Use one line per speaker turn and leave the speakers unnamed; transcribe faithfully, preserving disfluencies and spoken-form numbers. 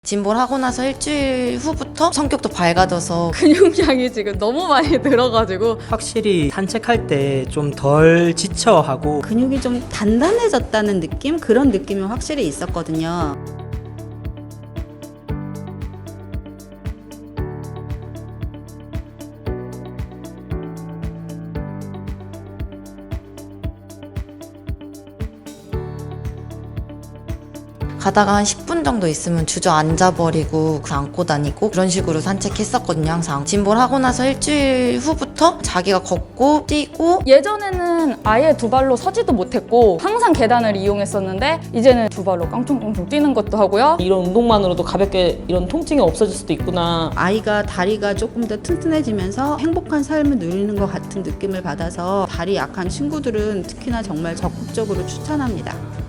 진보를 하고 나서 일주일 후부터 성격도 밝아져서
근육량이 지금 너무 많이 늘어가지고
확실히 산책할 때 좀 덜 지쳐하고
근육이 좀 단단해졌다는 느낌? 그런 느낌이 확실히 있었거든요.
가다가 한 십 분 정도 있으면 주저앉아버리고 안고 다니고 그런 식으로 산책했었거든요. 항상 진보를 하고 나서 일주일 후부터 자기가 걷고 뛰고
예전에는 아예 두 발로 서지도 못했고 항상 계단을 이용했었는데 이제는 두 발로 깡총깡총 뛰는 것도 하고요.
이런 운동만으로도 가볍게 이런 통증이 없어질 수도 있구나.
아이가 다리가 조금 더 튼튼해지면서 행복한 삶을 누리는 것 같은 느낌을 받아서 다리 약한 친구들은 특히나 정말 적극적으로 추천합니다.